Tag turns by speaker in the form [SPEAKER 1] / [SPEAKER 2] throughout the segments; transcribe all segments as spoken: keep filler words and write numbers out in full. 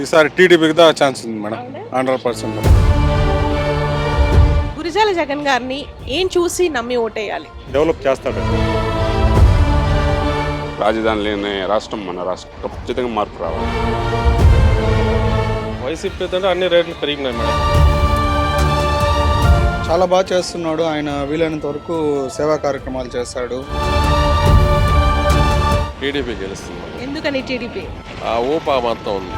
[SPEAKER 1] ఈసారి టీడీపీకి దా ఛాన్స్ ఉంది madam, hundred percent.
[SPEAKER 2] Gurazala Jagan గారిని ఏం చూసి నమ్మి ఓటేయాలి?
[SPEAKER 1] డెవలప్ చేస్తాడు.
[SPEAKER 3] రాజధాని లేని రాష్ట్రం మన రాష్ట్రం, ఖచ్చితంగా మార్పు రావాలి.
[SPEAKER 4] వైసీపీ అంటే అన్ని రేట్లు పెరిగినాయి మేడం.
[SPEAKER 5] చాలా బాగా చేస్తున్నాడు ఆయన, వీలైనంత వరకు సేవా కార్యక్రమాలు చేస్తాడు.
[SPEAKER 4] టీడీపీ గెలుస్తుంది.
[SPEAKER 2] ఎందుకని టీడీపీ?
[SPEAKER 4] ఆ ఊపా మొత్తం ఉంది.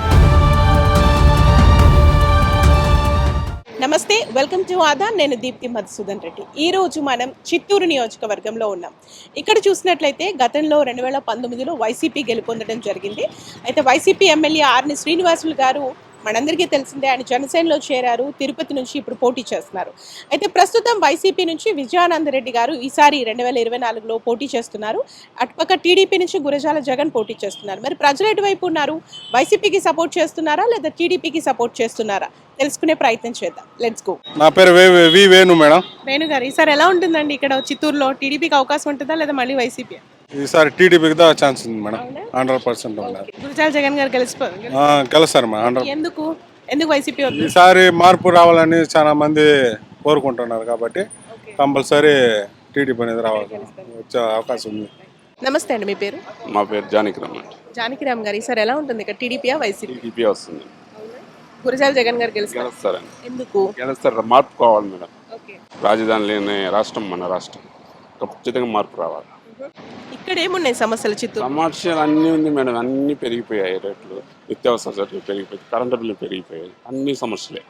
[SPEAKER 2] నమస్తే, వెల్కమ్ టు ఆదా. నేను దీప్తి మధుసూదన్ రెడ్డి. ఈరోజు మనం చిత్తూరు నియోజకవర్గంలో ఉన్నాం. ఇక్కడ చూసినట్లయితే గతంలో రెండు వేల పంతొమ్మిదిలో వైసీపీ గెలుపొందడం జరిగింది. అయితే వైసీపీ ఎమ్మెల్యే ఆర్ని శ్రీనివాసులు గారు మనందరికీ తెలిసిందే, ఆయన జనసేనలో చేరారు. తిరుపతి నుంచి ఇప్పుడు పోటీ చేస్తున్నారు. అయితే ప్రస్తుతం వైసీపీ నుంచి విజయానందరెడ్డి గారు ఈసారి రెండు వేల ఇరవై నాలుగులో పోటీ చేస్తున్నారు. అటుపక్క టీడీపీ నుంచి గురజాల జగన్ పోటీ చేస్తున్నారు. మరి ప్రజలు ఎటువైపు ఉన్నారు? వైసీపీకి సపోర్ట్ చేస్తున్నారా లేదా టీడీపీకి సపోర్ట్ చేస్తున్నారా? తెలుసుకునే ప్రయత్నం చేద్దాం. Let's go.
[SPEAKER 1] నా పేరు వే వి వేణు మేడం.
[SPEAKER 2] వేణు గారు, ఈసారి ఎలా ఉంటుందండి ఇక్కడ చిత్తూరులో? టీడీపీకి అవకాశం ఉంటుందా లేదా మళ్ళీ వైసీపీ?
[SPEAKER 1] ఈసారి టీడీపీకి దా ఛాన్స్ ఉంది madam, hundred percent.
[SPEAKER 2] Gurazala Jagan గారు గెలిచిపో
[SPEAKER 1] గెలుస్తారు మేడం, హండ్రెడ్.
[SPEAKER 2] ఎందుకు ఎందుకు వైసీపీ వద్దు?
[SPEAKER 1] ఈసారి మార్పు రావాలని చాలా మంది కోరుకుంటున్నారు కాబట్టి కంపల్సరీ టీడీపీ అనేది రావాలి, వచ్చే అవకాశం ఉంది.
[SPEAKER 2] నమస్తే అండి, మీ పేరు?
[SPEAKER 3] మా పేరు జానకిరామ్.
[SPEAKER 2] జానకిరామ్ గారు, ఈసారి ఎలా ఉంటుంది ఇక్కడ? టీడీపీయా వైసీపీ?
[SPEAKER 3] టీడీపీ వస్తుంది.
[SPEAKER 2] గురజాల జగన్ గారు గెలుస్తారు.
[SPEAKER 3] గెలుస్తారండి.
[SPEAKER 2] ఎందుకు?
[SPEAKER 3] గెలుస్తారు, మార్పు కావాలి మేడం.
[SPEAKER 2] ఓకే.
[SPEAKER 3] రాజధాని లేని రాష్ట్రం మన రాష్ట్రం, ఖచ్చితంగా మార్పు రావాలి.
[SPEAKER 2] ఇక్కడ ఏమున్నాయి సమస్యలు చిత్తూరు?
[SPEAKER 3] సమస్యలు అన్నీ ఉంది మేడం, అన్నీ పెరిగిపోయాయి రేట్లు, నిత్యావసర సరుకులు పెరిగిపోయాయి, కరెంటు బిల్లు పెరిగిపోయాయి, అన్ని సమస్యలే.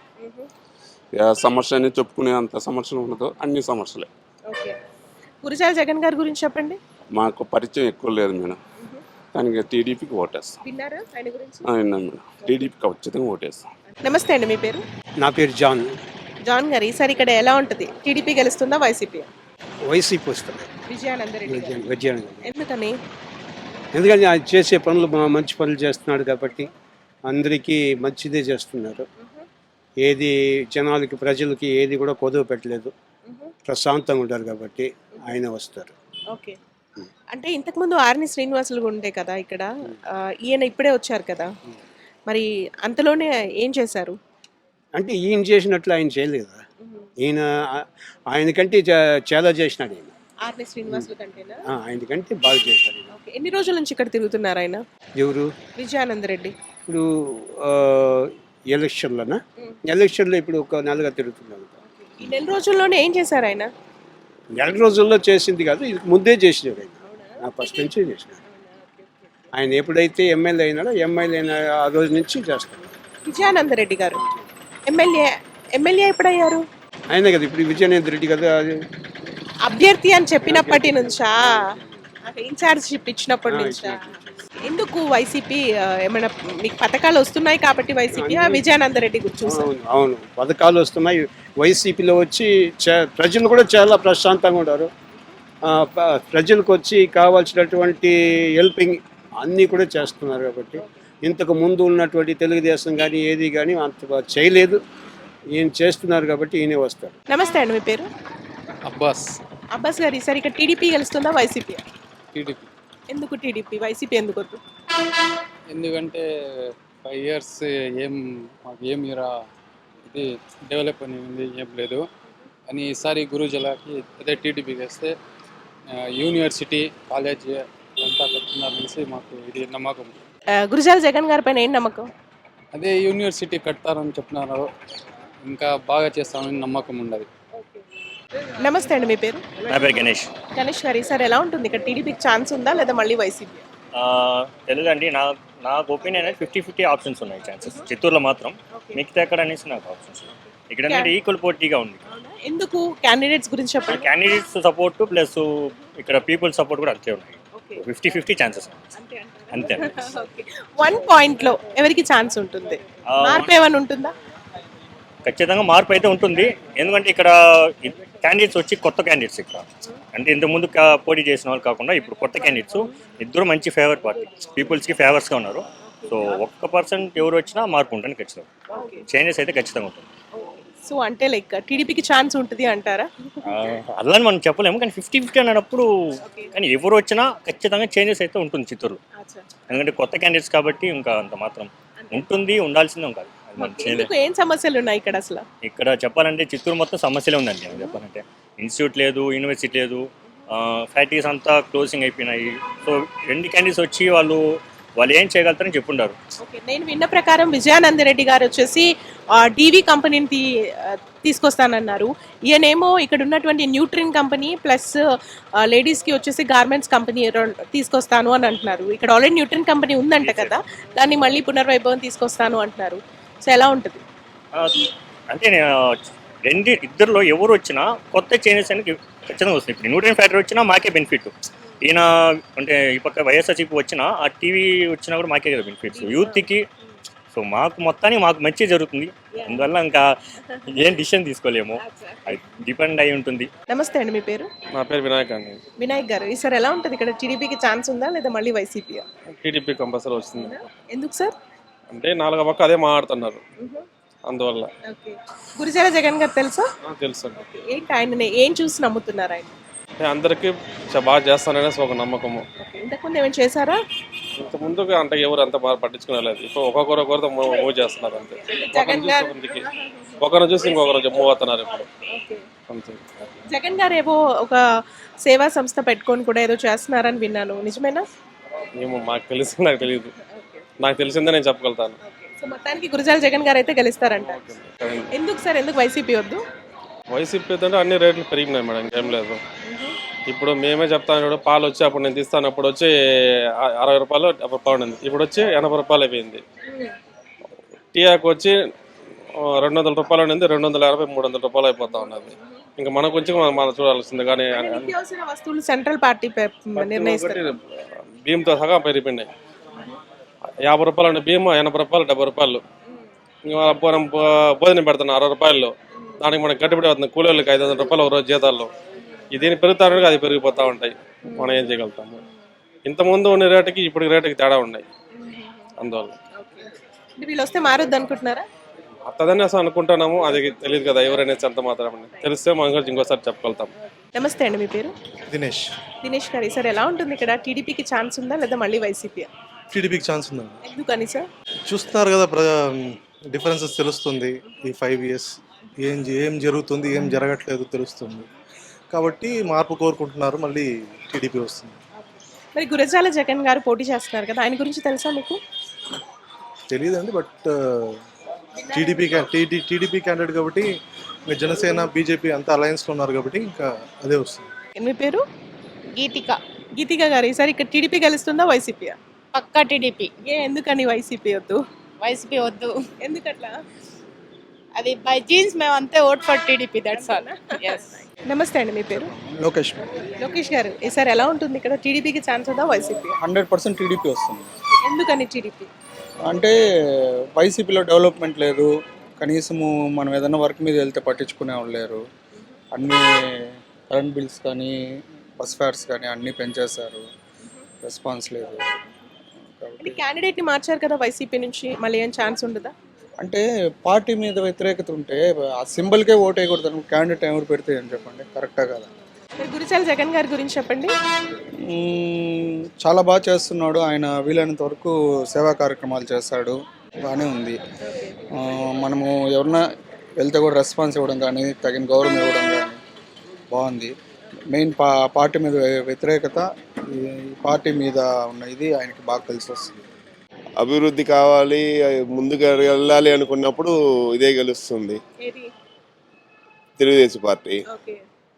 [SPEAKER 3] ఏ సమస్య అని చెప్పుకునే అంత సమస్యలు ఉండదు, అన్ని సమస్యలే.
[SPEAKER 2] ఓకే. గురజాల జగన్ గారి గురించి చెప్పండి.
[SPEAKER 3] మాకు పరిచయం ఎక్కువ లేదు మేడం, కానీ టీడీపీకి ఓటేస్తాం.
[SPEAKER 2] విన్నారా ఆయన గురించి?
[SPEAKER 3] విన్నాం మేడం, టీడీపీకి ఖచ్చితంగా ఓటేస్తాం.
[SPEAKER 2] నమస్తే అండి, మీ పేరు?
[SPEAKER 6] నా పేరు జాన్.
[SPEAKER 2] జాన్ గారు, ఈసారి ఇక్కడ ఎలా ఉంటుంది? టీడీపీ గెలుస్తుందా వైసీపీ?
[SPEAKER 6] వైసీపీ వస్తుంది.
[SPEAKER 2] విజయానందరెడ్డి గారు.
[SPEAKER 6] విజయానంద.
[SPEAKER 2] ఎందుకని?
[SPEAKER 6] ఎందుకంటే ఆయన చేసే పనులు మా- మంచి పనులు చేస్తున్నాడు కాబట్టి అందరికీ మంచిదే చేస్తున్నారు. ఏది జనాలకి ప్రజలకి ఏది కూడా కొదవ పెట్టలేదు, ప్రశాంతంగా ఉంటారు కాబట్టి ఆయన వస్తారు.
[SPEAKER 2] ఓకే. అంటే ఇంతకుముందు ఆర్ని శ్రీనివాసులు ఉండే కదా ఇక్కడ, ఆ, ఈయన ఇప్పుడే వచ్చారు కదా, మరి అంతలోనే ఏం చేశారు?
[SPEAKER 6] అంటే ఈయన చేసినట్లు ఆయన చేయలేదు కదా. ఈయన ఆయనకంటే చా- చాలా చేసినాడు ఈయన.
[SPEAKER 2] ఆర్ని శ్రీనివాసులు కంటేనా?
[SPEAKER 6] ఆ, ఆయనకంటే బాగా చేశాడు ఈయన.
[SPEAKER 2] ఓకే. ఎన్ని రోజుల నుంచి ఇక్కడ తిరుగుతున్నారు ఆయన?
[SPEAKER 6] ఎవరు
[SPEAKER 2] విజయానందరెడ్డి.
[SPEAKER 6] ఇప్పుడు ఆ, ఎలక్షన్లోనా? ఎలక్షన్లో ఇప్పుడు ఒక నెలగా తిరుగుతున్నాడు.
[SPEAKER 2] ఈ నెల రోజుల్లోనే ఏం చేశారు ఆయన?
[SPEAKER 6] నెల రోజుల్లో చేసింది కాదు, ఇది ముందే చేసినాడు ఆయన. నా ఫస్ట్ నుంచి చేసినాడు ఆయన. ఎప్పుడైతే ఎమ్మెల్యే అయినాడో ఎమ్మెల్యే అయిన ఆ రోజు నుంచి చేస్తాడు.
[SPEAKER 2] విజయానందరెడ్డి గారు ఎమ్మెల్యే ఎమ్మెల్యే ఎప్పుడయ్యారు?
[SPEAKER 6] ఆయన కదా ఇప్పుడు విజయనేంద్ర రెడ్డి కదా అది.
[SPEAKER 2] అభ్యర్థి అని చెప్పినప్పటి నుంచా? ఇన్ఛార్జ్షిప్ ఇచ్చినప్పటి నుంచా? ఎందుకు వైసీపీ? ఆ, ఏమైనా మీకు పథకాలు వస్తున్నాయి కాబట్టి వైసీపీ విజయానందరెడ్డి గురించి చూసారు?
[SPEAKER 6] అవును అవును పథకాలు వస్తున్నాయి. వైసీపీలో వచ్చి చ- ప్రజలు కూడా చాలా ప్రశాంతంగా ఉన్నారు. ఆ, ప- ప్రజలకు వచ్చి కావాల్సినటువంటి హెల్పింగ్ అన్నీ కూడా చేస్తున్నారు కాబట్టి ఇంతకు ముందు ఉన్నటువంటి తెలుగుదేశం కానీ ఏది కానీ అంత బాగా చేయలేదు. ఈయన చేస్తున్నారు కాబట్టి ఈయనే వస్తారు.
[SPEAKER 2] నమస్తే అండి, మీ పేరు?
[SPEAKER 4] అబ్బాస్.
[SPEAKER 2] అబ్బాస్ గారు, ఈసారి ఇక్కడ టీడీపీ గెలుస్తుందా వైసీపీ?
[SPEAKER 4] టీడీపీ.
[SPEAKER 2] ఎందుకు టీడీపీ? వైసీపీ ఎందుకు వద్దు?
[SPEAKER 4] ఎందుకంటే ఫైవ్ ఇయర్స్ ఏం మాకు ఏం ఇరా ఇది డెవలప్ అనేది ఏం లేదు అని ఈసారి గురుజలకి అదే టీడీపీకి వేస్తే ఆ, యూనివర్సిటీ కాలేజ్ అంతా కడుతున్నారనేసి మాకు ఇది నమ్మకం.
[SPEAKER 2] ఆ, గురజాల జగన్ గారి పైన ఏం నమ్మకం?
[SPEAKER 4] అదే యూనివర్సిటీ కడతారని చెప్తున్నారు, ఇంకా బాగా చేస్తామని నమ్మకం ఉండదు.
[SPEAKER 2] నమస్తే అండి, మీ పేరు?
[SPEAKER 7] నా పేరు గణేష్.
[SPEAKER 2] గణేష్ గారు, ఈసారి ఎలా ఉంటుంది ఇక్కడ? టీడీపీకి ఛాన్స్ ఉందా లేదా మళ్ళీ వైసీపీ?
[SPEAKER 7] ఆ, తెలుగండి. నా నాకు ఒపీనియన్ అనేది ఫిఫ్టీ ఫిఫ్టీ ఆప్షన్స్ ఉన్నాయి ఛాన్సెస్. చిత్తూరులో మాత్రం, మిగతా ఎక్కడ అనేసి నాకు ఆప్షన్స్ ఇక్కడ ఏంటంటే ఈక్వల్ పోటీగా ఉంది.
[SPEAKER 2] ఎందుకు? క్యాండిడేట్స్ గురించి చెప్పండి.
[SPEAKER 7] క్యాండిడేట్స్ సపోర్ట్ ప్లస్ ఇక్కడ పీపుల్ సపోర్ట్ కూడా అంతే ఉన్నాయి. ఫిఫ్టీ ఫిఫ్టీ ఛాన్సెస్ అంతే.
[SPEAKER 2] వన్ పాయింట్ లో ఎవరికి ఛాన్స్ ఉంటుంది? మార్పు ఏమైనా ఉంటుందా?
[SPEAKER 7] ఖచ్చితంగా మార్పు అయితే ఉంటుంది. ఎందుకంటే ఇక్కడ క్యాండిడేట్స్ వచ్చి కొత్త క్యాండిడేట్స్ ఇక్కడ, అంటే ఇంతకుముందు కా- పోటీ చేసిన వాళ్ళు కాకుండా ఇప్పుడు కొత్త క్యాండిడేట్స్ ఇద్దరు మంచి ఫేవర్ పార్టీ, పీపుల్స్కి ఫేవర్స్గా ఉన్నారు. సో ఒక్క పర్సెంట్ ఎవరు వచ్చినా మార్పు ఉంటుంది ఖచ్చితంగా, చేంజెస్ అయితే ఖచ్చితంగా ఉంటుంది.
[SPEAKER 2] సో అంటే లైక్ టీడీపీకి ఛాన్స్ ఉంటుంది అంటారా?
[SPEAKER 7] అలా అని మనం చెప్పలేము, కానీ ఫిఫ్టీ ఫిఫ్టీ అన్నప్పుడు కానీ ఎవరు వచ్చినా ఖచ్చితంగా చేంజెస్ అయితే ఉంటుంది చిత్తూరులో. ఎందుకంటే కొత్త క్యాండిడేట్స్ కాబట్టి ఇంకా అంత మాత్రం ఉంటుంది, ఉండాల్సిందే కాదు అది మనం చేయలేదు.
[SPEAKER 2] ఎందుకు ఏం సమస్యలు ఉన్నాయి ఇక్కడ అసలు?
[SPEAKER 7] ఇక్కడ చెప్పాలంటే చిత్తూరు మొత్తం సమస్యలే ఉందండి. నేను చెప్పాలంటే ఇన్స్టిట్యూట్ లేదు, యూనివర్సిటీ లేదు, ఫ్యాక్టరీస్ అంతా క్లోజింగ్ అయిపోయినాయి. సో రెండు క్యాండిడేట్స్ వచ్చి వాళ్ళు వాళ్ళు ఏం చేయగలుగుతారని చెప్పుండారు.
[SPEAKER 2] ఓకే, నేను విన్న ప్రకారం విజయానంద రెడ్డి గారు వచ్చేసి డీవీ కంపెనీని తీ ఆ, తీసుకొస్తానన్నారు. ఈయనేమో ఇక్కడ ఉన్నటువంటి న్యూట్రిన్ కంపెనీ ప్లస్ లేడీస్కి వచ్చేసి గార్మెంట్స్ కంపెనీ రెండు తీసుకొస్తాను అని అంటున్నారు. ఇక్కడ ఆల్రెడీ న్యూట్రిన్ కంపెనీ ఉందంట కదా, దాన్ని మళ్ళీ పునర్వైభవం తీసుకొస్తాను అంటున్నారు. సో ఎలా ఉంటుంది?
[SPEAKER 7] ఆ, అంటే నేను రెండు ఇద్దరిలో ఎవరు వచ్చినా కొత్త చేంజెస్ అనేది ఖచ్చితంగా వస్తుంది. ఇప్పుడు న్యూట్రియన్ ఫ్యాక్టరీ వచ్చినా మాకే బెనిఫిట్. ఈయన అంటే ఈ పక్క వైఎస్ఆర్సీపీ వచ్చినా ఆ టీవీ వచ్చినా కూడా మాకే కదా బెనిఫిట్స్ యూత్కి. సో మాకు మొత్తానికి మాకు మంచి జరుగుతుంది. అందువల్ల ఇంకా ఏం డిసిషన్ తీసుకోలేము, అది డిపెండ్ అయి ఉంటుంది.
[SPEAKER 2] నమస్తే అండి, మీ పేరు?
[SPEAKER 8] నా పేరు వినాయక్ అండి.
[SPEAKER 2] వినాయక్ గారు, ఈసారి ఎలా ఉంటుంది ఇక్కడ? టీడీపీకి ఛాన్స్ ఉందా లేదా మళ్ళీ వైసీపీ?
[SPEAKER 8] టీడీపీ కంపల్సరీ వస్తుంది.
[SPEAKER 2] ఎందుకు సార్?
[SPEAKER 8] అంటే నాలుగో పక్క అదే మాట్లాడుతున్నారు, అందువల్ల.
[SPEAKER 2] ఓకే, గురిజాల జగన్ గారు తెలుసా?
[SPEAKER 8] ఆ, తెలుసు అండి.
[SPEAKER 2] ఏంటి ఆయన ఏం చూసి నమ్ముతున్నారు ఆయన?
[SPEAKER 8] అంటే అందరికీ చ- బాగా చేస్తాననేసి ఒక నమ్మకము.
[SPEAKER 2] ఓకే, ఇంతకుముందు ఏమైనా చేశారా?
[SPEAKER 8] ఇంత ముందుగా అంటే ఎవరు అంత బాగా పట్టించుకునేలేదు. ఇప్పుడు ఒక్కొక్కరు ఒక్కొక్కరితో మూవ్ చేస్తున్నారు అంతే. ఒకరిని
[SPEAKER 2] జగన్
[SPEAKER 8] చూసి
[SPEAKER 2] గారు
[SPEAKER 8] ఒకరికి ఒకరిని చూసి ఇంకొకరు మూవ్ అవుతున్నారు ఇప్పుడు
[SPEAKER 2] ఓకే.
[SPEAKER 8] అంతే.
[SPEAKER 2] జగన్ గారు ఏవో ఒక సేవా సంస్థ పెట్టుకొని కూడా ఏదో చేస్తున్నారని విన్నాను, నిజమేనా?
[SPEAKER 8] ఏమో మాకు తెలిసి నాకు తెలియదు, నాకు తెలిసిందే నేను చెప్పగలుగుతాను.
[SPEAKER 2] సో మొత్తానికి గురిజాల జగన్ గారు అయితే గెలుస్తారంట. ఎందుకు సార్, ఎందుకు వైసీపీ వద్దు?
[SPEAKER 8] వైసీపీ అంటే అన్ని రేట్లు పెరిగినాయి మేడం, ఇంకేం లేదు. ఇప్పుడు మేమే చెప్తాను, ఇప్పుడు పాలు వచ్చి అప్పుడు నేను తీస్తాను, అప్పుడు వచ్చి అ- అరవై రూపాయలు డెబ్బై రూపాయలు ఉంది, ఇప్పుడు వచ్చి ఎనభై రూపాయలు అయిపోయింది. టీ ఆకు వచ్చి ఆ, రెండు వందల రూపాయలు ఉంది, రెండు వందల యాభై మూడు వందల రూపాయలు అయిపోతా ఉన్నది. ఇంకా మనకు వచ్చి మనం మనం చూడాల్సింది. కానీ
[SPEAKER 2] అంటే నిత్యావసర వస్తువులు సెంట్రల్ పార్టీ పె- నిర్ణయిస్తారు.
[SPEAKER 8] ఒకటి బియ్యంతో సహా పెరిగిపోయినాయి. యాభై రూపాయలు ఉండే బియ్యం ఎనభై రూపాయలు డెబ్బై రూపాయలు. ఇంకా మనం భో- భోజనం పెడుతున్నాం అరవై రూపాయలు, దానికి మనకి గట్టిపడి అవుతుంది. కూలీళ్ళకి ఐదు వందల రూపాయలు ఒక రోజు జీతాల్లో. ఇది దీన్ని పెరుగుతానికి అది పెరిగిపోతూ ఉంటాయి. మనం ఏం చేయగలుగుతాము? ఇంతకుముందు ఉన్న రేటుకి ఇప్పుడు రేటుకి తేడా ఉన్నాయి, అందువల్ల.
[SPEAKER 2] అంటే వీళ్ళు వస్తే మారొద్దు అనుకుంటున్నారా?
[SPEAKER 8] అత్తదని అసలు అనుకుంటున్నాము, అది తెలియదు కదా ఎవరైనా ఎంత మాత్రం. తెలిస్తే మనం కూడా ఇంకోసారి చెప్పగలుగుతాం.
[SPEAKER 2] నమస్తే అండి, మీ పేరు?
[SPEAKER 9] దినేష్.
[SPEAKER 2] దినేష్ గారు, సార్ ఎలా ఉంటుంది ఇక్కడ? టీడీపీకి ఛాన్స్ ఉందా లేదా మళ్ళీ వైసీపీ?
[SPEAKER 9] టీడీపీకి ఛాన్స్ ఉందండి.
[SPEAKER 2] ఎందుకని సార్?
[SPEAKER 9] చూస్తున్నారు కదా, ప్ర డిఫరెన్సెస్ తెలుస్తుంది. ఈ ఫైవ్ ఇయర్స్ ఏం ఏం జరుగుతుంది, ఏం జరగట్లేదు తెలుస్తుంది. కాబట్టి మార్పు కోరుకుంటున్నారు, మళ్ళీ టీడీపీ వస్తుంది.
[SPEAKER 2] మరి గురజాల జగన్ గారు పోటీ చేస్తున్నారు కదా, ఆయన గురించి తెలుసా మీకు?
[SPEAKER 9] తెలియదండి, but TDP TD TDP candidate కాబట్టి ఇంకా జనసేన బీజేపీ అంతా అలయన్స్లో ఉన్నారు కాబట్టి ఇంకా అదే వస్తుంది.
[SPEAKER 2] మీ పేరు?
[SPEAKER 10] గీతిక.
[SPEAKER 2] గీతిక గారు, ఈసారి ఇక్కడ టీడీపీ గెలుస్తుందా వైసీపీ?
[SPEAKER 10] పక్కా టీడీపీ.
[SPEAKER 2] ఏ ఎందుకని వైసీపీ వద్దు?
[SPEAKER 10] వైసీపీ వద్దు,
[SPEAKER 2] ఎందుకట్లా?
[SPEAKER 10] అది బై జీన్స్ మేము అంతే vote for TDP, that's all. Yes.
[SPEAKER 2] నమస్తే అండి, మీ పేరు?
[SPEAKER 5] లోకేష్.
[SPEAKER 2] లోకేష్ గారు, ఈసారి ఎలా ఉంటుంది ఇక్కడ? టీడీపీకి ఛాన్స్ ఉందా వైసీపీ?
[SPEAKER 5] హండ్రెడ్ పర్సెంట్ టీడీపీ వస్తుంది.
[SPEAKER 2] ఎందుకని టీడీపీ?
[SPEAKER 5] అంటే వైసీపీలో డెవలప్మెంట్ లేదు, కనీసము మనం ఏదైనా వర్క్ మీద వెళ్తే పట్టించుకునే వాళ్ళు లేరు. అన్నీ కరెంట్ బిల్స్ కానీ బస్ ఫేర్స్ కానీ అన్నీ పెంచేశారు, రెస్పాన్స్ లేదు.
[SPEAKER 2] అంటే క్యాండిడేట్ని మార్చారు కదా వైసీపీ నుంచి, మళ్ళీ ఏం ఛాన్స్ ఉండదా?
[SPEAKER 5] అంటే పార్టీ మీద వ్యతిరేకత ఉంటే ఆ సింబల్కే ఓట్ వేయకూడదు, క్యాండిడేట్ ఎవరు పెడితే అని చెప్పండి, కరెక్టా కదా?
[SPEAKER 2] మరి గురిజాల జగన్ గారి గురించి చెప్పండి.
[SPEAKER 5] మ్మ్, చాలా బాగా చేస్తున్నాడు ఆయన, వీలైనంత వరకు సేవా కార్యక్రమాలు చేస్తాడు, బాగానే ఉంది. ఆ, మనము ఎవరన్నా వెళ్తే కూడా రెస్పాన్స్ ఇవ్వడం కానీ తగిన గౌరవం ఇవ్వడం కానీ బాగుంది. మెయిన్ పా పార్టీ మీద వ్యతిరేకత, ఈ పార్టీ మీద ఉన్న ఇది ఆయనకి బాగా కలిసి వస్తుంది.
[SPEAKER 11] అభివృద్ధి కావాలి, ముందుకు వెళ్ళాలి అనుకున్నప్పుడు ఇదే గెలుస్తుంది,
[SPEAKER 2] ఏది?
[SPEAKER 11] తెలుగుదేశం పార్టీ.
[SPEAKER 2] ఓకే.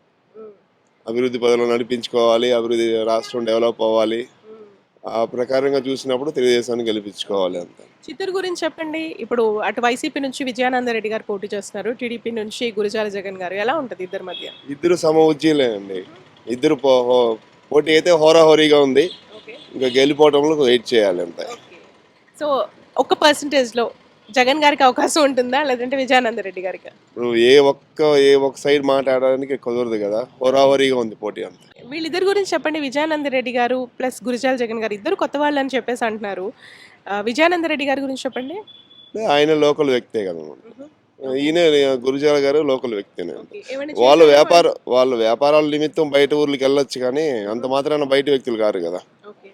[SPEAKER 11] అభివృద్ధి పదంలో నడిపించుకోవాలి, అభివృద్ధి రాష్ట్రం డెవలప్ అవ్వాలి, ఆ ప్రకారంగా చూసినప్పుడు తెలుగుదేశాన్ని గెలిపించుకోవాలి అంత.
[SPEAKER 2] చిత్తూరు గురించి చెప్పండి. ఇప్పుడు అటు వైసీపీ నుంచి విజయానంద రెడ్డి గారు పోటీ చేస్తున్నారు, టీడీపీ నుంచి గురిజాల జగన్ గారు. ఎలా ఉంటుంది ఇద్దరి మధ్య?
[SPEAKER 11] ఇద్దరు సమవుజ్జీలేనండి, ఇద్దరు పో- హో- పోటీ అయితే హోరాహోరీగా ఉంది.
[SPEAKER 2] ఓకే.
[SPEAKER 11] ఇంకా గెలిపోవడంలో వెయిట్ చేయాలి అంతే.
[SPEAKER 2] సో ఒక పర్సంటేజ్లో జగన్ గారికి అవకాశం ఉంటుందా లేదంటే విజయానంద రెడ్డి గారికి?
[SPEAKER 11] ఇప్పుడు ఏ ఒక్క ఏ ఒక్క సైడ్ మాట్లాడడానికి కుదరదు కదా, హోరాహోరీగా ఉంది పోటీ అంతే.
[SPEAKER 2] వీళ్ళిద్దరి గురించి చెప్పండి. విజయానంద రెడ్డి గారు ప్లస్ గురిజాల జగన్ గారు ఇద్దరు కొత్త వాళ్ళు అని చెప్పేసి అంటున్నారు. ఆ, విజయానంద రెడ్డి గారి గురించి చెప్పండి.
[SPEAKER 11] ఆయన లోకల్ వ్యక్తే కదా, ఈయన గురుజాల గారు లోకల్ వ్యక్తినే.
[SPEAKER 2] ఓకే. ఏమైనా
[SPEAKER 11] వాళ్ళు
[SPEAKER 2] చేశారా?
[SPEAKER 11] వ్యాపార వాళ్ళు వ్యాపారాల నిమిత్తం బయట ఊర్లకు వెళ్ళొచ్చు, కానీ అంత మాత్రాన బయట వ్యక్తులు కారు కదా.
[SPEAKER 2] ఓకే.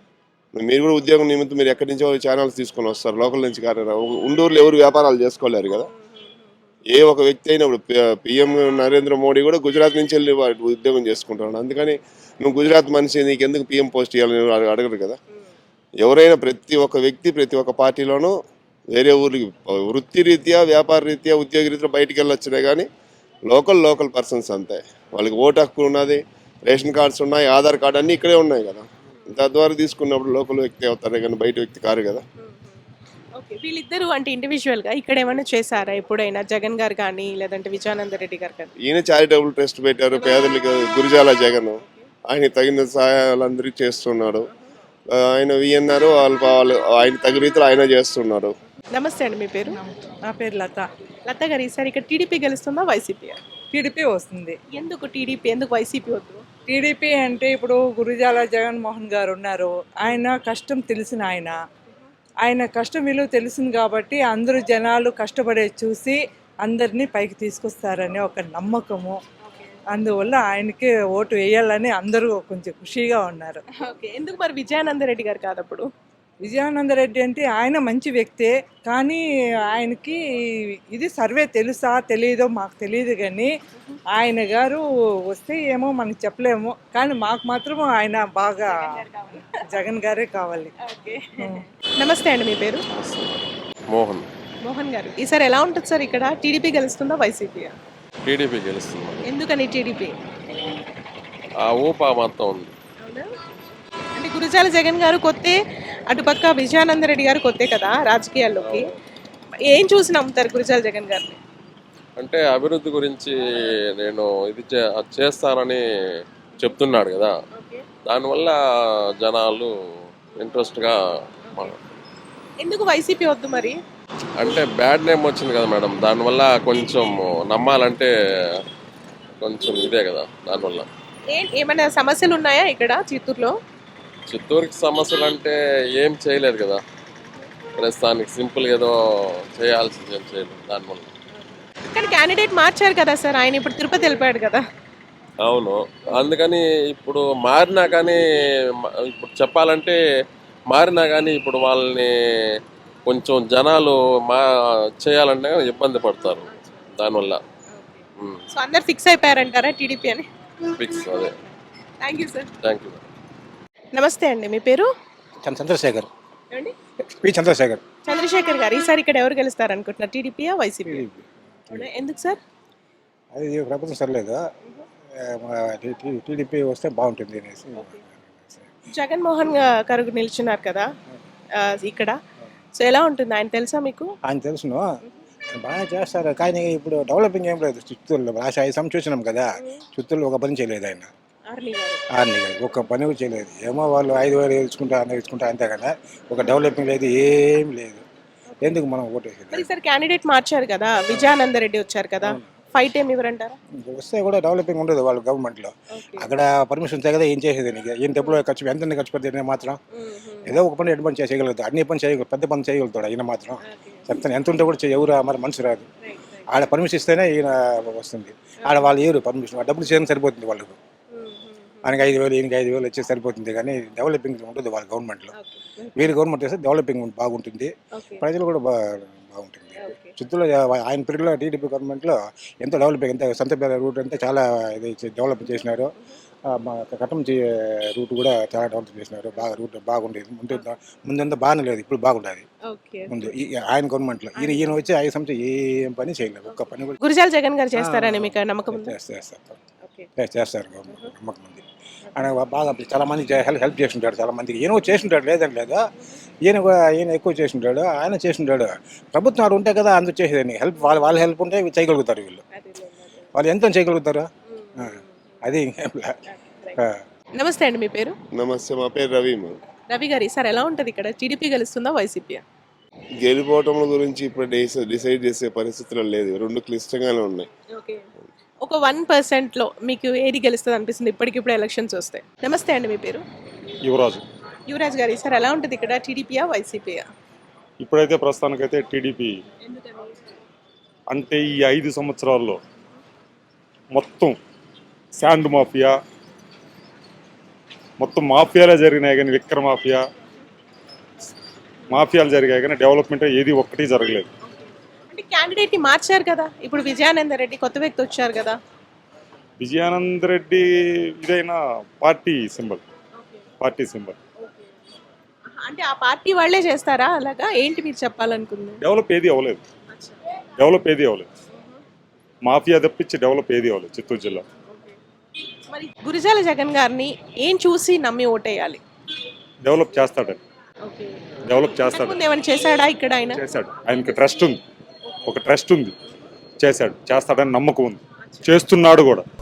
[SPEAKER 11] మీరు కూడా ఉద్యోగం నిమిత్తం మీరు ఎక్కడి నుంచో ఛానల్స్ తీసుకొని వస్తారు, లోకల్ నుంచి కానీ ఉండూరులో ఎవరు వ్యాపారాలు చేసుకోలేరు కదా. ఏ ఒక వ్యక్తి అయినా ఇప్పుడు పిఎం నరేంద్ర మోడీ కూడా గుజరాత్ నుంచి వెళ్ళి వాడు ఉద్యోగం చేసుకుంటున్నాడు. అందుకని నువ్వు గుజరాత్ మనిషి నీకు ఎందుకు పిఎం పోస్ట్ ఇవ్వాలని అడగరు కదా. ఎవరైనా ప్రతి ఒక్క వ్యక్తి ప్రతి ఒక్క పార్టీలోనూ వేరే ఊరికి వృత్తి రీత్యా వ్యాపార రీత్యా ఉద్యోగ రీత్యా బయటికి వెళ్ళొచ్చినాయి, కానీ లోకల్ లోకల్ పర్సన్స్ అంతే. వాళ్ళకి ఓటు హక్కు ఉన్నది, రేషన్ కార్డ్స్ ఉన్నాయి, ఆధార్ కార్డు అన్నీ ఇక్కడే ఉన్నాయి కదా. తద్వారా తీసుకున్నప్పుడు లోకల్ వ్యక్తి అవుతారే కానీ బయట వ్యక్తి కారు కదా.
[SPEAKER 2] ఓకే, వీళ్ళిద్దరూ అంటే ఇండివిజువల్గా ఇక్కడ ఏమైనా చేశారా ఎప్పుడైనా? జగన్ గారు కానీ లేదంటే విజయానంద రెడ్డి గారు కానీ?
[SPEAKER 11] ఈయన చారిటబుల్ ట్రస్ట్ పెట్టారు పేదలకు, గురిజాల జగన్. ఆయన తగిన సహాయాలు అందరికీ చేస్తున్నాడు. ఆయన విఎన్ఆర్ వాళ్ళు వాళ్ళు ఆయన తగిన రీతిలో ఆయన చేస్తున్నాడు.
[SPEAKER 2] నమస్తే అండి, మీ పేరు?
[SPEAKER 12] నా పేరు లత.
[SPEAKER 2] లత గారు, ఈసారి ఇక్కడ టీడీపీ గెలుస్తుందా వైసీపీ?
[SPEAKER 12] టీడీపీ వస్తుంది.
[SPEAKER 2] ఎందుకు టీడీపీ, ఎందుకు వైసీపీ వద్దు?
[SPEAKER 12] టీడీపీ అంటే ఇప్పుడు గురుజాల జగన్మోహన్ గారు ఉన్నారు, ఆయన కష్టం తెలిసిన ఆయన ఆయన కష్టం విలువ తెలిసింది కాబట్టి అందరూ జనాలు కష్టపడే చూసి అందరినీ పైకి తీసుకొస్తారని ఒక నమ్మకము. అందువల్ల ఆయనకి ఓటు వేయాలని అందరూ కొంచెం ఖుషీగా ఉన్నారు.
[SPEAKER 2] ఓకే, ఎందుకు మరి విజయానంద రెడ్డి గారు కాదప్పుడు?
[SPEAKER 12] విజయానంద రెడ్డి అంటే ఆయన మంచి వ్యక్తే, కానీ ఆయనకి ఇది సర్వే తెలుసా తెలియదో మాకు తెలియదు, కానీ ఆయన గారు వస్తే ఏమో మనకు చెప్పలేము, కానీ మాకు మాత్రం ఆయన బాగా జగన్ గారే కావాలి.
[SPEAKER 2] నమస్తే అండి, మీ పేరు?
[SPEAKER 8] మోహన్.
[SPEAKER 2] మోహన్ గారు, ఈసారి ఎలా ఉంటుంది సార్ ఇక్కడ? టీడీపీ గెలుస్తుందా వైసీపీ?
[SPEAKER 8] టీడీపీ గెలుస్తుంది.
[SPEAKER 2] ఎందుకని టీడీపీ?
[SPEAKER 8] ఆ ఊపా మొత్తం ఉంది.
[SPEAKER 2] అంటే గురుజాల జగన్ గారు కొత్తే, అటుపక్క విజయానంద రెడ్డి గారు కొత్తే కదా రాజకీయాల్లోకి. ఏం చూసి నమ్ముతారు గురుజాల జగన్ గారిని?
[SPEAKER 8] అంటే అభివృద్ధి గురించి నేను ఇది చే- చేస్తానని చెప్తున్నాడు కదా, దానివల్ల జనాలు ఇంట్రెస్ట్గా
[SPEAKER 2] ఎందుకు వైసీపీ వద్దు మరి?
[SPEAKER 8] అంటే బ్యాడ్ నేమ్ వచ్చింది కదా మేడం, దానివల్ల కొంచెం నమ్మాలంటే కొంచెం ఇదే కదా. దానివల్ల
[SPEAKER 2] ఏ ఏమైనా సమస్యలు ఉన్నాయా ఇక్కడ చిత్తూరులో?
[SPEAKER 8] చిత్తూరుకి సమస్యలు అంటే ఏం చేయలేదు కదా ప్రస్తుతానికి, సింపుల్ ఏదో చేయాల్సింది ఏం చేయలేదు దానివల్ల.
[SPEAKER 2] కానీ క్యాండిడేట్ మార్చారు కదా సార్, ఆయన ఇప్పుడు తిరుపతి వెళ్ళిపోయాడు కదా.
[SPEAKER 8] అవును, అందుకని ఇప్పుడు మారినా కానీ మ- ఇప్పుడు చెప్పాలంటే మారినా కానీ ఇప్పుడు వాళ్ళని కొంచెం జనాలు మా చేయాలంటే ఇబ్బంది పడతారు దానివల్ల.
[SPEAKER 2] సో అందరు ఫిక్స్ అయిపోయారంటారా టీడీపీ అని?
[SPEAKER 8] ఫిక్స్ అదే.
[SPEAKER 2] Thank you sir.
[SPEAKER 8] Thank you.
[SPEAKER 2] నమస్తే అండి, మీ పేరు?
[SPEAKER 5] చంద్రశేఖర్.
[SPEAKER 2] ఏమండి?
[SPEAKER 5] పి చంద్రశేఖర్.
[SPEAKER 2] చంద్రశేఖర్ గారు, ఈసారి ఇక్కడ ఎవరు గెలుస్తారు అనుకుంటున్నారు? టీడీపీయా వైసీపీ? ఎందుకు సార్?
[SPEAKER 5] అది ప్రభుత్వం సరిలేదు, టీడీపీ వస్తే బాగుంటుంది అనేసి.
[SPEAKER 2] జగన్మోహన్ గారు నిల్చున్నారు కదా ఆ, ఇక్కడ. సో ఎలా ఉంటుంది, ఆయన తెలుసా మీకు?
[SPEAKER 5] ఆయన తెలుసును, బాగా చేస్తారు, కానీ ఇప్పుడు డెవలపింగ్ ఏం లేదు చిత్తూరులో. లాస్ట్ ఐదు సంవత్సరం చూసినాం కదా, చిత్తూరులో ఒక పని చేయలేదు ఆయన.
[SPEAKER 2] ఆర్ని గారు.
[SPEAKER 5] ఆర్ని గారు ఒక్క పని కూడా చేయలేదు. ఏమో వాళ్ళు ఐదు వేలు వేసుకుంటా అన్న వేసుకుంటా అంతే కదా, ఒక డెవలపింగ్ లేదు, ఏం లేదు. ఎందుకు మనం ఓటు వేసేది?
[SPEAKER 2] మరి ఈసారి క్యాండిడేట్ మార్చారు కదా, విజయానంద రెడ్డి వచ్చారు కదా, ఫైట్ ఏమి ఇవ్వరంటారా?
[SPEAKER 5] వస్తే కూడా డెవలపింగ్ ఉండదు వాళ్ళ గవర్నమెంట్లో. అక్కడ పర్మిషన్ ఉంటే కదా ఏం చేసేది, నీకు ఏం డబ్బులు ఖర్చు ఎంత ఖర్చు పెడితే మాత్రం ఏదో ఒక పని ఎటు పని చేయగలుగుతాడు, అన్ని పని చేయగలరు, పెద్ద పని చేయగలుగుతాడు ఈయన మాత్రం. చెప్తాను, ఎంత ఉంటే కూడా చేయ- ఎవరు మరి మనసు రాదు. ఆడ పర్మిషన్ ఇస్తేనే ఈయన వస్తుంది, ఆడ వాళ్ళు ఎవరు పర్మిషన్, డబ్బులు చేయడం సరిపోతుంది వాళ్ళకు. ఆయనకి ఐదు వేలు ఈయనకి ఐదు వేలు వచ్చి సరిపోతుంది, కానీ డెవలపింగ్ ఉంటుంది వాళ్ళ గవర్నమెంట్లో. వీరి గవర్నమెంట్ చేస్తే డెవలపింగ్ బాగుంటుంది, ప్రజలు కూడా బా బాగుంటుంది. చిత్తూరులో ఆయన పీరియడ్లో టీడీపీ గవర్నమెంట్లో ఎంతో డెవలపింగ్, ఎంత సంతపేట రూట్ అంతా చాలా ఇది డెవలప్ చేసినారు. ఆ, మా కట్టం రూట్ కూడా చాలా డెవలప్ చేసినారు, బాగా రూట్ బాగుండేది. ముందు ముందంతా బాగానే లేదు, ఇప్పుడు బాగుండేది ముందు ఈ ఆయన గవర్నమెంట్లో. ఈయన ఈయన వచ్చి ఐదు సంవత్సరం ఏం పని చేయలేదు, ఒక్క పని కూడా.
[SPEAKER 2] గురుజాల జగన్ గారు చేస్తారని మీకు నమ్మకం ఉందా?
[SPEAKER 5] చేస్తారు చేస్తారు చేస్తారు గవర్నమెంట్ నమ్మకం ఉంది. ఆయన బాగా చాలా మందికి హెల్ప్ హెల్ప్ చేస్తుంటాడు, చాలా మందికి. ఈయన కూడా చేస్తుంటాడు, లేదని లేదా, ఈయన కూడా ఈయన ఎక్కువ చేస్తుంటాడు, ఆయన చేస్తుంటాడు. ప్రభుత్వం వాడు ఉంటే కదా అందరూ చేసేదని. హెల్ప్ వాళ్ళ వాళ్ళ హెల్ప్ ఉంటే చేయగలుగుతారు వీళ్ళు, వాళ్ళు ఎంత చేయగలుగుతారు. ఆ, అది ఇంకేం లే. ఆ.
[SPEAKER 2] నమస్తే అండి, మీ పేరు?
[SPEAKER 11] నమస్తే, మా పేరు రవి.
[SPEAKER 2] రవి గారు, ఈసారి ఎలా ఉంటుంది ఇక్కడ? టీడీపీ గెలుస్తుందా వైసీపీ?
[SPEAKER 11] గెలిపోవటం గురించి ఇప్పుడు డిసై- డిసైడ్ చేసే పరిస్థితుల్లో లేదు, రెండు క్లిష్టంగానే ఉన్నాయి.
[SPEAKER 2] ఒక వన్ పర్సెంట్ లో మీకు ఏది గెలుస్తుంది అనిపిస్తుంది ఇప్పటికిప్పుడు ఎలక్షన్స్ వస్తాయి? నమస్తే అండి, మీ పేరు?
[SPEAKER 1] యువరాజు.
[SPEAKER 2] యువరాజ్ గారు, ఈసారి ఎలా ఉంటుంది ఇక్కడ? టీడీపీయా వైసీపీయా?
[SPEAKER 1] ఇప్పుడైతే ప్రస్తుతానికైతే టీడీపీ. అంటే ఈ ఐదు సంవత్సరాల్లో మొత్తం శాండ్ మాఫియా, మొత్తం మాఫియాలే జరిగినాయి, కానీ విక్ర మాఫియా
[SPEAKER 13] మాఫియాలు జరిగాయి కానీ డెవలప్మెంట్ ఏది ఒక్కటి జరగలేదు.
[SPEAKER 2] అంటే క్యాండిడేట్ ని మార్చారు కదా, ఇప్పుడు విజయానంద రెడ్డి కొత్త వ్యక్తి వచ్చారు కదా.
[SPEAKER 13] విజయానంద్ రెడ్డి ఇదైనా పార్టీ సింబల్, పార్టీ సింబల్.
[SPEAKER 2] అంటే ఆ పార్టీ వాళ్ళే చేస్తారా అలాగా, ఏంటి మీరు చెప్పాలనుకుంది?
[SPEAKER 13] డెవలప్ ఏది అవ్వలేదు, డెవలప్ ఏది అవ్వలేదు. మాఫియా తప్పించి డెవలప్ ఏది అవ్వలేదు చిత్తూరు జిల్లా.
[SPEAKER 2] మరి గురిజాల జగన్ గారిని ఏం చూసి నమ్మి ఓటేయాలి?
[SPEAKER 13] డెవలప్ చేస్తాడని, డెవలప్ చేస్తాడు.
[SPEAKER 2] ముందు ఏమైనా చేశాడా ఇక్కడ ఆయన?
[SPEAKER 13] చేశాడు, ఆయనకి ట్రస్ట్ ఉంది, ఒక ట్రస్ట్ ఉంది, చేశాడు, చేస్తాడని నమ్మకం ఉంది, చేస్తున్నాడు కూడా.